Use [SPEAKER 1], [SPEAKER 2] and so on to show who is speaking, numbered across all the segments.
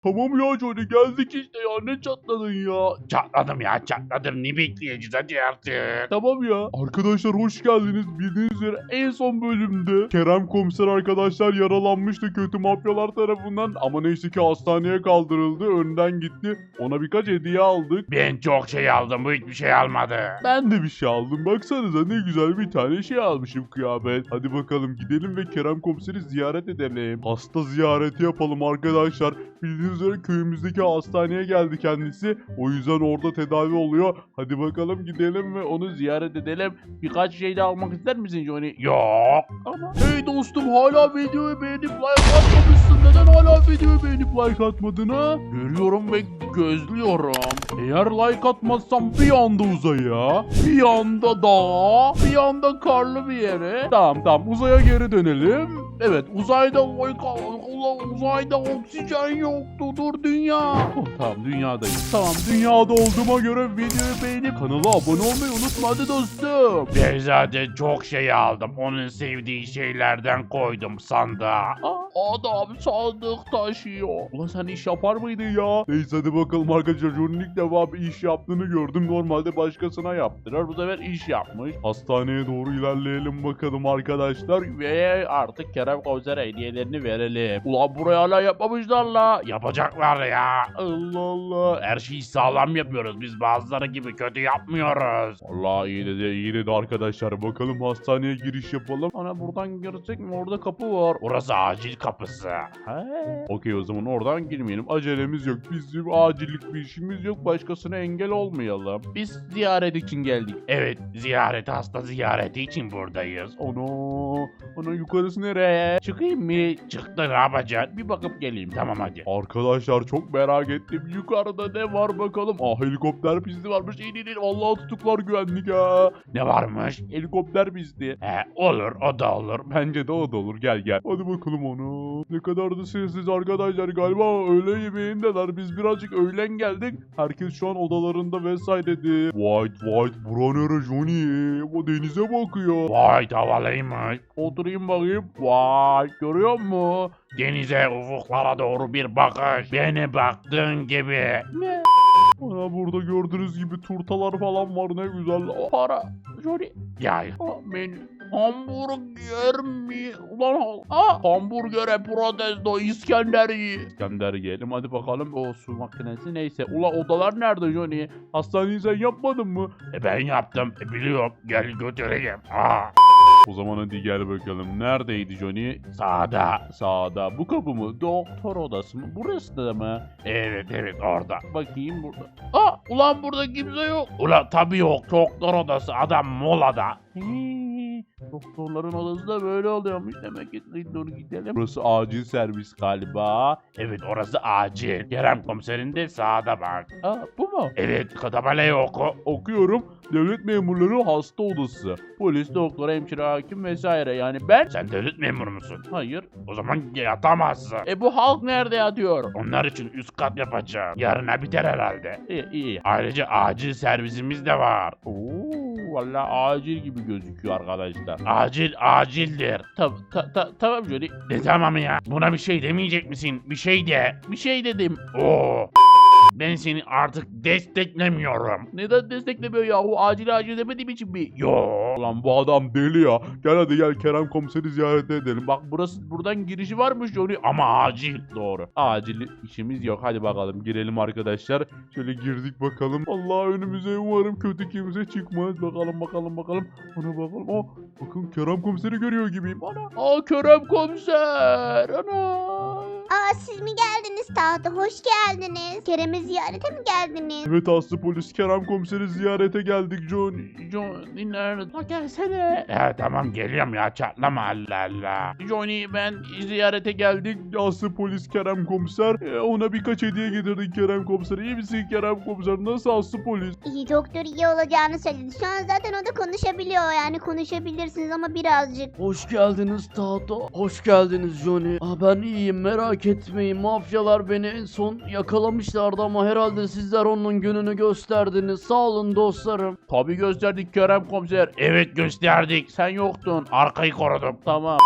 [SPEAKER 1] Tamam ya Johnny, geldik işte ya, ne çatladın ya?
[SPEAKER 2] Çatladım ya, çatladım. Ne bekleyeceğiz hadi artık.
[SPEAKER 1] Tamam ya. Arkadaşlar hoş geldiniz. Bildiğiniz üzere en son bölümde Kerem komiser arkadaşlar yaralanmıştı kötü mafyalar tarafından. Ama neyse ki hastaneye kaldırıldı. Önden gitti. Ona birkaç hediye aldık.
[SPEAKER 2] Ben çok şey aldım, bu hiçbir şey almadı.
[SPEAKER 1] Ben de bir şey aldım. Baksanıza ne güzel bir tane şey almışım, kıyafet. Hadi bakalım gidelim ve Kerem komiseri ziyaret edelim. Hasta ziyareti yapalım arkadaşlar. Bildiğiniz üzere köyümüzdeki hastaneye geldi kendisi. O yüzden orada tedavi oluyor. Hadi bakalım gidelim ve onu ziyaret edelim. Birkaç şey de almak ister misin Johnny?
[SPEAKER 2] Yok.
[SPEAKER 1] Ama hey dostum, hala videoyu beğenip like atmamışsın. Neden hala videoyu beğenip like atmadın ha? Görüyorum ve gözlüyorum. Eğer like atmazsam bir anda uzaya, bir anda dağa, bir anda karlı bir yere. Tamam uzaya geri dönelim. Evet, uzayda uzayda oksijen yoktu. Dur dünya. Oh, tamam dünyadayım. Tamam dünyada olduğuma göre videoyu beğenip kanala abone olmayı unutma hadi dostum.
[SPEAKER 2] Ben zaten çok şey aldım. Onun sevdiği şeylerden koydum sandığa.
[SPEAKER 1] Adam sandık taşıyor. Ulan sen iş yapar mıydın ya? Neyse hadi bakalım arkadaşlar. Johnny'nin ilk defa bir iş yaptığını gördüm. Normalde başkasına yaptırır. Bu sefer iş yapmış. Hastaneye doğru ilerleyelim bakalım arkadaşlar. Ve artık Kerem komisere hediyelerini verelim. Ulan buraya hala yapmamışlar la.
[SPEAKER 2] Yapacaklar ya.
[SPEAKER 1] Allah Allah.
[SPEAKER 2] Her şeyi sağlam yapıyoruz. Biz bazıları gibi kötü yapmıyoruz.
[SPEAKER 1] Allah iyi dedi arkadaşlar. Bakalım hastaneye giriş yapalım. Ana buradan girecek mi? Orada kapı var.
[SPEAKER 2] Orası acil kapısı.
[SPEAKER 1] Okey, o zaman oradan girmeyelim. Acelemiz yok. Bizim acillik bir işimiz yok. Başkasına engel olmayalım. Biz ziyaret için geldik.
[SPEAKER 2] Evet, hasta ziyareti için buradayız.
[SPEAKER 1] Ana yukarısı nereye? Çıkayım mı?
[SPEAKER 2] Çıktı, ne yapacaksın?
[SPEAKER 1] Bir bakıp geleyim.
[SPEAKER 2] Tamam hadi.
[SPEAKER 1] Arkadaşlar çok merak ettim. Yukarıda ne var bakalım. Helikopter pisti varmış. İn. Vallahi tutuklar güvenlik ha.
[SPEAKER 2] Ne varmış?
[SPEAKER 1] Helikopter pisti.
[SPEAKER 2] Olur, o da olur.
[SPEAKER 1] Bence de o da olur. Gel. Hadi bakalım onu. Ne kadar da sessiz arkadaşlar. Galiba öğle yemeğindeler. Biz birazcık öğlen geldik. Herkes şu an odalarında vesairedi. Vay. Bura nere Johnny? O denize bakıyor.
[SPEAKER 2] Vay, havalıymış.
[SPEAKER 1] Oturayım bakayım. Vay. Görüyor musun?
[SPEAKER 2] Denize, ufuklara doğru bir bakış. Beni baktığın gibi.
[SPEAKER 1] Ana burada gördüğünüz gibi turtalar falan var. Ne güzel. Para. Johnny.
[SPEAKER 2] Ya,
[SPEAKER 1] Menü. Hamburger mi? Ulan hamburgere protesto İskender yiyelim hadi bakalım. O su makinesi neyse. Ulan odalar nerede Johnny? Hastaneyi sen yapmadın mı?
[SPEAKER 2] ben yaptım. Biliyorum. Gel götüreyim.
[SPEAKER 1] O zaman hadi gel bakalım. Neredeydi Johnny?
[SPEAKER 2] Sağda.
[SPEAKER 1] Bu kapı mı? Doktor odası mı? Burası da mı?
[SPEAKER 2] Evet, orada.
[SPEAKER 1] Bakayım burada. Ulan burada kimse yok.
[SPEAKER 2] Ulan tabii yok. Doktor odası. Adam molada.
[SPEAKER 1] Doktorların odası da böyle oluyormuş. Demek ki doğru gidelim. Burası acil servis galiba.
[SPEAKER 2] Evet, orası acil. Kerem komiserin de sağda bak.
[SPEAKER 1] Bu mu?
[SPEAKER 2] Evet, tabelaya oku.
[SPEAKER 1] Okuyorum. Devlet memurları hasta odası. Polis, doktor, hemşire, hakim vesaire. Yani ben...
[SPEAKER 2] Sen devlet memuru musun?
[SPEAKER 1] Hayır.
[SPEAKER 2] O zaman yatamazsın.
[SPEAKER 1] Bu halk nerede yatıyor?
[SPEAKER 2] Onlar için üst kat yapacağım. Yarına biter herhalde.
[SPEAKER 1] İyi.
[SPEAKER 2] Ayrıca acil servisimiz de var.
[SPEAKER 1] Vallahi acil gibi gözüküyor arkadaşlar.
[SPEAKER 2] Acildir.
[SPEAKER 1] Tamam Johnny.
[SPEAKER 2] Ne tamam ya? Buna bir şey demeyecek misin? Bir şey de.
[SPEAKER 1] Bir şey dedim.
[SPEAKER 2] Oo. Ben seni artık desteklemiyorum.
[SPEAKER 1] Neden desteklemiyor yahu? Acil demediğim için mi?
[SPEAKER 2] Yo.
[SPEAKER 1] Ulan bu adam deli ya. Gel Kerem komiseri ziyaret edelim. Bak buradan girişi varmış Johnny.
[SPEAKER 2] Ama acil.
[SPEAKER 1] Doğru. Acil işimiz yok. Hadi bakalım girelim arkadaşlar. Şöyle girdik bakalım. Allah önümüze umarım kötü kimse çıkmaz. Bakalım. Ona bakalım. Bakın Kerem komiseri görüyor gibiyim. Ana. Kerem komiser. Ana.
[SPEAKER 3] Siz mi geldiniz tahta? Hoş geldiniz. Kerem'i ziyarete mi geldiniz?
[SPEAKER 1] Evet Aslı polis Kerem komiseri ziyarete geldik Johnny.
[SPEAKER 2] Johnny nerede? Gelsene. Tamam geliyorum ya, çatlama Allah Allah.
[SPEAKER 1] Johnny ben ziyarete geldik. Aslı polis Kerem komiser. Ona birkaç hediye getirdik Kerem komiser. İyi misin Kerem komiser? Nasıl Aslı polis?
[SPEAKER 3] İyi, doktor iyi olacağını söyledi. Şu an zaten o da konuşabiliyor, yani konuşabilirsiniz ama birazcık.
[SPEAKER 4] Hoş geldiniz Tahta. Hoş geldiniz Johnny. Ben iyiyim, merak etmeyin. Mafyalar beni en son yakalamışlardı ama herhalde sizler onun gününü gösterdiniz. Sağ olun dostlarım.
[SPEAKER 1] Tabii gösterdik Kerem komiser.
[SPEAKER 2] Evet, gösterdik.
[SPEAKER 1] Sen yoktun.
[SPEAKER 2] Arkayı korudum.
[SPEAKER 1] Tamam.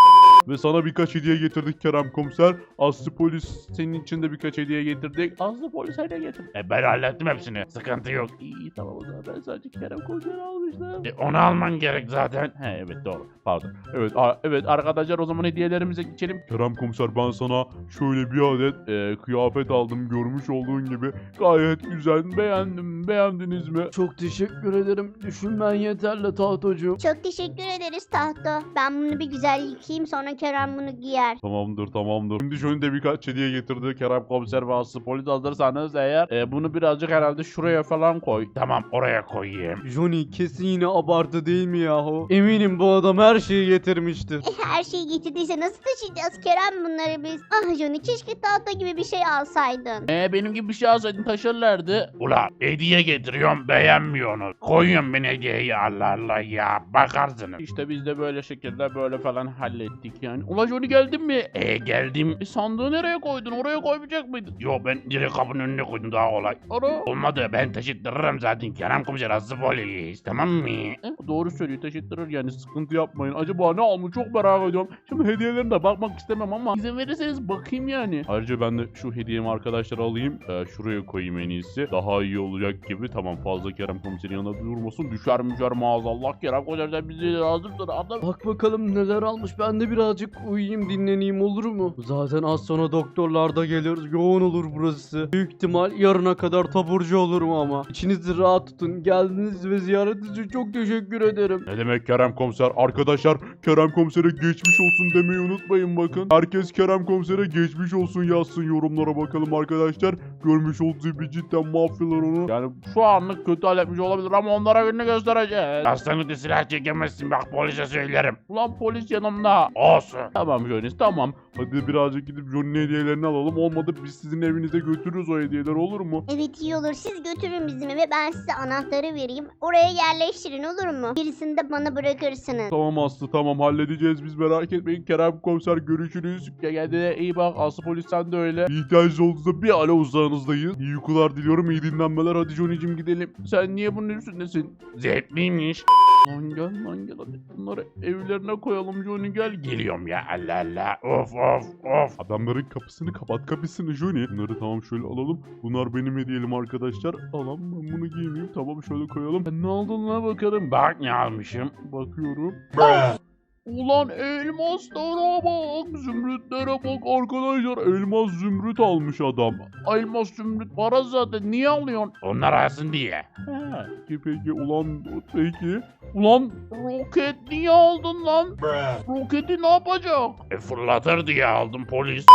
[SPEAKER 1] Ve sana birkaç hediye getirdik Kerem komiser. Aslı polis senin için de birkaç hediye getirdik. Aslı polis hediye getirdik.
[SPEAKER 2] Ben hallettim hepsini. Sıkıntı yok.
[SPEAKER 1] İyi tamam o zaman ben sadece Kerem komiseri almıştım.
[SPEAKER 2] Onu alman gerek zaten.
[SPEAKER 1] He evet doğru. Pardon. Evet evet arkadaşlar o zaman hediyelerimize geçelim. Kerem komiser ben sana şöyle bir adet kıyafet aldım görmüş olduğun gibi. Gayet güzel. Beğendim. Beğendiniz mi?
[SPEAKER 4] Çok teşekkür ederim. Düşünmen yeterli tahtocuğum.
[SPEAKER 3] Çok teşekkür ederiz Tahto. Ben bunu bir güzel yıkayayım sonra Kerem bunu giyer.
[SPEAKER 1] Tamamdır. Şimdi şöyle de birkaç hediye getirdi Kerem komiser ve Aslı polis hazırsanız eğer bunu birazcık herhalde şuraya falan koy.
[SPEAKER 2] Tamam oraya koyayım.
[SPEAKER 4] Johnny kesin yine abartı değil mi yahu? Eminim bu adam her şeyi getirmiştir.
[SPEAKER 3] Her şeyi getirdiyse nasıl taşıyacağız Kerem bunları biz? Ah Johnny keşke Tahto gibi bir şey alsaydın.
[SPEAKER 1] Benim gibi bir şey alsaydın taşırlardı.
[SPEAKER 2] Ula hediye getiriyorum beğenmiyorsunuz. Koyun beni hediyeyi Allah Allah ya. Bakarsınız.
[SPEAKER 1] İşte biz de böyle şekilde böyle falan hallettik yani. Ula Johnny geldin mi?
[SPEAKER 2] Geldim.
[SPEAKER 1] Sandığı nereye koydun? Oraya koymayacak mıydın?
[SPEAKER 2] Yo ben direkt kapının önüne koydum daha kolay.
[SPEAKER 1] Ara.
[SPEAKER 2] Olmadı ben taşıttırırım zaten Kerem komiser Aslı polis tamam mı?
[SPEAKER 1] Doğru söylüyor taşıttırır yani sıkıntı yapmayın. Acaba ne almış çok merak ediyorum. Şimdi hediyelerine bakmak istemem ama izin verirseniz bakayım yani. Ayrıca ben de şu hediyemi arkadaşlar alayım. Şuraya koyayım en iyisi. Daha iyi olacak gibi. Tamam fazla Kerem komiserin yanına durmasın. Düşer maazallah Kerem komiser sen bizi lazımdır. Adam.
[SPEAKER 4] Bak bakalım neler almış. Ben de birazcık uyuyayım dinleneyim olur mu? Zaten az sonra doktorlar da gelir. Yoğun olur burası. Büyük ihtimal yarına kadar taburcu olurum ama. İçinizi rahat tutun. Geldiniz ve ziyaret için çok teşekkür ederim.
[SPEAKER 1] Ne demek Kerem komiser? Arkadaşlar Kerem komisere geçmiş olsun demeyi unutmayın bakın. Herkes Kerem komisere geçmiş olsun yazsın yorumlara bakalım arkadaşlar. Görmüş olduğu gibi cidden mafyalar onu. Yani şu anlık kötü halletmiş olabilir ama onlara gününü göstereceğiz.
[SPEAKER 2] Hastanede silah çekemezsin bak polise söylerim.
[SPEAKER 1] Ulan polis yanımda.
[SPEAKER 2] Olsun.
[SPEAKER 1] Tamam Johnny tamam. Hadi birazcık gidip Johnny'nin hediyelerini alalım. Olmadı biz sizin evinize götürürüz o hediyeler olur mu?
[SPEAKER 3] Evet iyi olur siz götürün bizim eve ben size anahtarı vereyim. Oraya yerleştirin olur mu? Birisini de bana bırakırsınız.
[SPEAKER 1] Tamam Aslı tamam halledeceğiz biz merak etmeyin. Kerem komiser görüşürüz. Kendine iyi bak Aslı polis sen de öyle. Bir ihtiyacınız olduğunda bir alo uzağınızdayız. İyi uykular diliyorum iyi dinlenmeler hadi Johnny'cim gidelim. Sen niye bunun üstündesin?
[SPEAKER 2] Zevkliymiş.
[SPEAKER 1] Lan gel hadi bunları evlerine koyalım Johnny gel.
[SPEAKER 2] Geliyorum ya Allah Allah. Of.
[SPEAKER 1] Adamların kapısını kapat kapısını Johnny. Bunları tamam şöyle alalım. Bunlar benim hediyelerim arkadaşlar. Alalım ben bunu giymeyeyim. Tamam şöyle koyalım. Ben ne aldın lan bakalım.
[SPEAKER 2] Bak ne almışım.
[SPEAKER 1] Bakıyorum. Ulan elmaslara bak, zümrütlere bak arkadaşlar. Elmas zümrüt almış adam. Elmas zümrüt para zaten niye alıyorsun?
[SPEAKER 2] Onlar alsın diye.
[SPEAKER 1] Peki ulan peki. Ulan roket niye aldın lan? Roketi ne yapacak?
[SPEAKER 2] Fırlatır diye aldım polis.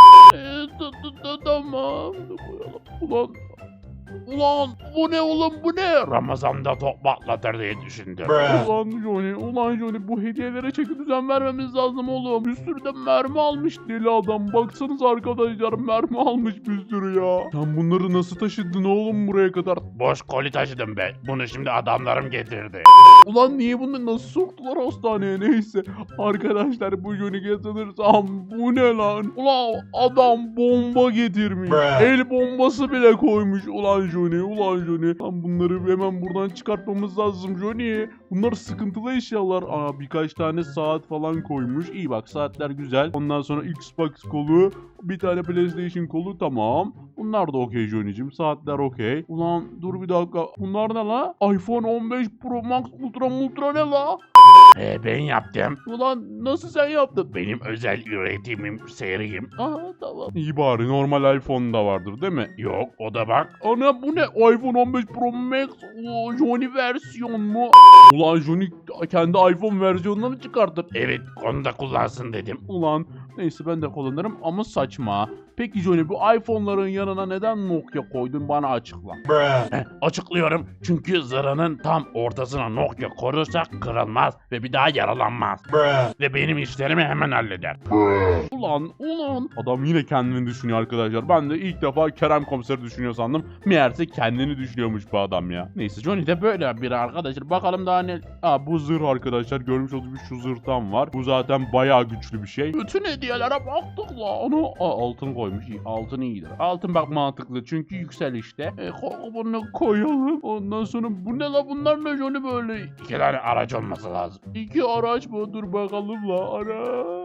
[SPEAKER 1] Tamam. Koyalım. Ulan bu ne oğlum bu ne?
[SPEAKER 2] Ramazan'da top patlatır diye düşündüm.
[SPEAKER 1] Ulan Johnny bu hediyelere çeki düzen vermemiz lazım oğlum. Bir sürü de mermi almış deli adam. Baksanız arkadaşlar mermi almış bir sürü ya. Sen bunları nasıl taşıdın oğlum buraya kadar?
[SPEAKER 2] Boş koli taşıdım be. Bunu şimdi adamlarım getirdi.
[SPEAKER 1] Ulan niye bunu nasıl soktular hastaneye neyse. Arkadaşlar bu Johnny'ye sanırsam bu ne lan? Ulan adam bomba getirmiş. El bombası bile koymuş ulan Johnny. Lan bunları hemen buradan çıkartmamız lazım Johnny. Bunlar sıkıntılı eşyalar. Birkaç tane saat falan koymuş. İyi bak saatler güzel. Ondan sonra Xbox kolu. Bir tane PlayStation kolu tamam. Bunlar da okey Johnny'cim. Saatler okey. Ulan dur bir dakika. Bunlar ne la? iPhone 15 Pro Max Ultra ne la?
[SPEAKER 2] Ben yaptım.
[SPEAKER 1] Ulan nasıl sen yaptın?
[SPEAKER 2] Benim özel üretimim, serim.
[SPEAKER 1] Tamam. İyi bari normal iPhone da vardır değil mi?
[SPEAKER 2] Yok o da bak.
[SPEAKER 1] Ana bu ne? iPhone 15 Pro Max Johnny versiyon mu? Ulan Johnny kendi iPhone versiyonunu mı çıkartır?
[SPEAKER 2] Evet onu da kullansın dedim.
[SPEAKER 1] Ulan neyse ben de kullanırım ama saçma. Peki Johnny bu iPhone'ların yanına neden Nokia koydun bana açıkla.
[SPEAKER 2] Açıklıyorum çünkü zırhının tam ortasına Nokia korursak kırılmaz ve bir daha yaralanmaz. Ve benim işlerimi hemen halleder.
[SPEAKER 1] Ulan adam yine kendini düşünüyor arkadaşlar. Ben de ilk defa Kerem komiseri düşünüyor sandım. Meğerse kendini düşünüyormuş bu adam ya. Neyse Johnny de böyle bir arkadaşlar. Bakalım daha ne... bu zırh arkadaşlar. Görmüş olduğunuz gibi şu zırhtan var. Bu zaten bayağı güçlü bir şey. Bütün hediyelere baktık la. Altın koymuş. Altın iyidir. Altın bak mantıklı çünkü yükselişte. Bunu koyalım. Ondan sonra bu ne la bunlar ne Johnny böyle?
[SPEAKER 2] 2 tane araç olması lazım.
[SPEAKER 1] 2 araç mı? Dur bakalım la. Araç.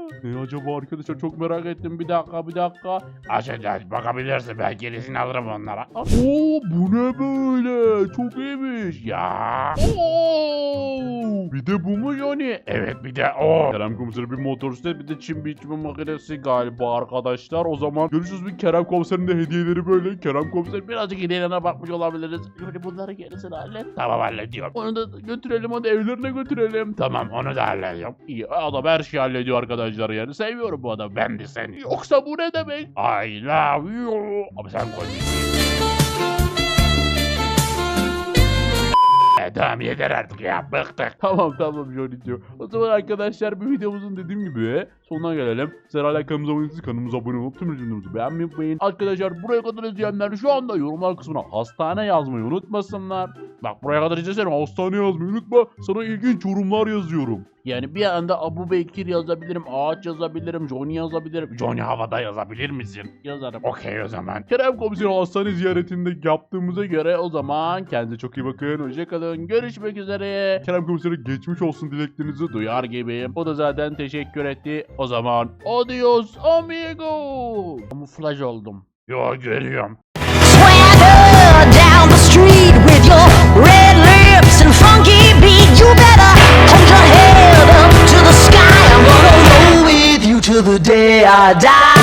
[SPEAKER 1] Ne acaba arkadaşlar, çok merak ettim. Bir dakika.
[SPEAKER 2] Aç bakabilirsin, ben gerisini alırım onlara.
[SPEAKER 1] Oo, bu ne böyle? Çok iyiymiş.
[SPEAKER 2] Ya.
[SPEAKER 1] Oo, bir de bu mu yani?
[SPEAKER 2] Evet, bir de o.
[SPEAKER 1] Kerem Komiser'e bir motosiklet, bir de çim biçme makinesi galiba arkadaşlar. O zaman görüşürüz. Bir Kerem Komiser'in de hediyeleri böyle. Kerem Komiser
[SPEAKER 2] Birazcık hediyelerine bakmış olabiliriz. Böyle bunları gerisini hallet. Tamam, hallediyorum.
[SPEAKER 1] onu da götürelim, hadi evlerine götürelim.
[SPEAKER 2] Tamam, onu da hallediyorum.
[SPEAKER 1] İyi, adam her şeyi hallediyor arkadaşlar yani. Seviyorum bu adamı.
[SPEAKER 2] Ben de seni.
[SPEAKER 1] Yoksa bu ne demek?
[SPEAKER 2] I love you. Abi sen koy. Tamam, yeter artık ya, bıktık.
[SPEAKER 1] Tamam Johnny'ciğim. O zaman arkadaşlar bir videomuzun dediğim gibi sonuna gelelim. Sizler hala kanalımıza abone değilseniz kanalımıza abone olup tüm videolarımızı beğenmeyi unutmayın. Arkadaşlar buraya kadar izleyenler şu anda yorumlar kısmına hastane yazmayı unutmasınlar. Bak, buraya kadar izlesene, hastane yazmayı unutma. Sana ilginç yorumlar yazıyorum. Yani bir anda Abu Bekir yazabilirim, Ağaç yazabilirim, Johnny yazabilirim.
[SPEAKER 2] Johnny havada yazabilir misin?
[SPEAKER 1] Yazarım.
[SPEAKER 2] Okey o zaman.
[SPEAKER 1] Kerem Komiseri hastane ziyaretinde yaptığımıza göre o zaman kendinize çok iyi bakın. Hoşçakalın. Görüşmek üzere. Kerem Komiseri geçmiş olsun dileklerinizi duyar gibiyim. O da zaten teşekkür etti. O zaman adios amigo. Kamuflaj oldum.
[SPEAKER 2] Yo, görüyorum.
[SPEAKER 5] Swagger down the street with your red lips and funky beat. You better hold your head up to the sky. I'm gonna roll with you till the day I die.